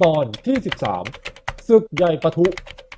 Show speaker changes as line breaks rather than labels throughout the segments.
ตอนที่13ศึกใหญ่ปะทุ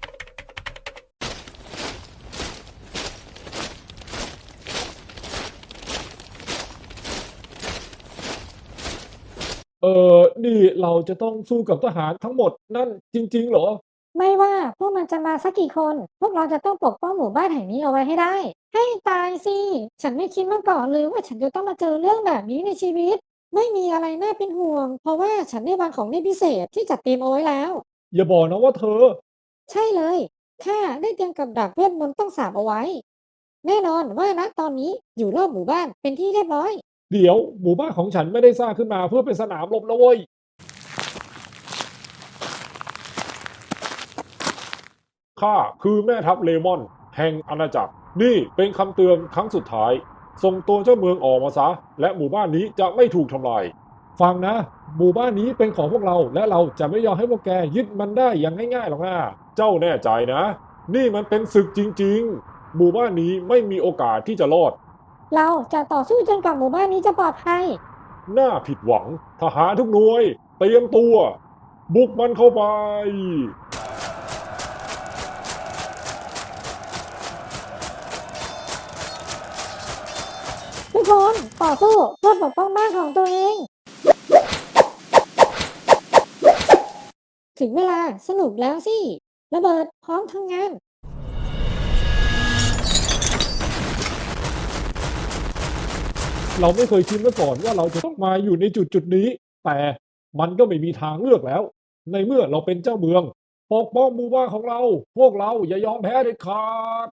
นี่เราจะต้องสู้กับทหารทั้งหมดนั่นจริงๆเหรอ
ไม่ว่าพวกมันจะมาสักกี่คน พวกเราจะต้องปกป้องหมู่บ้านแห่งนี้เอาไว้ให้ได้ ให้ตายสิ ฉันไม่คิดมาก่อนเลยว่าฉันจะต้องมาเจอเรื่องแบบนี้ในชีวิต ไม่มีอะไรน่าเป็นห่วง เพราะว่าฉันได้วางของเล่นพิเศษที่จัดเตรียมเอาไว้แล้ว
อย่าบอกนะว่าเธอ
ใช่เลยข้าได้เตรียมกับดักเวทมนต์ต้องสาปเอาไว้ แน่นอนว่าณตอนนี้อยู่รอบหมู่บ้านเป็นที่เรียบร้อย
เดี๋ยวหมู่บ้านของฉันไม่ได้สร้างขึ้นมาเพื่อเป็นสนามรบนะเว้ยข้าคือแม่ทัพเลมอนแห่งอาณาจักรนี่เป็นคำเตือนครั้งสุดท้ายส่งตัวเจ้าเมืองออกมาซะและหมู่บ้านนี้จะไม่ถูกทำลายฟังนะหมู่บ้านนี้เป็นของพวกเราและเราจะไม่ยอมให้พวกแกยึดมันได้อย่างง่ายๆหรอกนะเจ้าแน่ใจนะนี่มันเป็นศึกจริงๆหมู่บ้านนี้ไม่มีโอกาสที่จะรอด
เราจะต่อสู้จนกว่าหมู่บ้านนี้จะปลอดภัย
น่าผิดหวังทหารทุกหน่วยเตรียมตัวบุกมันเข้าไป
ทุกคนต่อสู้เพื่อปกป้องบ้านของตัวเอง ถึงเวลาสนุกแล้วสิระเบิดพร้อมทำงาน
เราไม่เคยคิดมาก่อนว่าเราจะต้องมาอยู่ในจุดนี้แต่มันก็ไม่มีทางเลือกแล้วในเมื่อเราเป็นเจ้าเมืองปกป้องหมู่บ้านของเราพวกเราอย่ายอมแพ้เด็ดขาด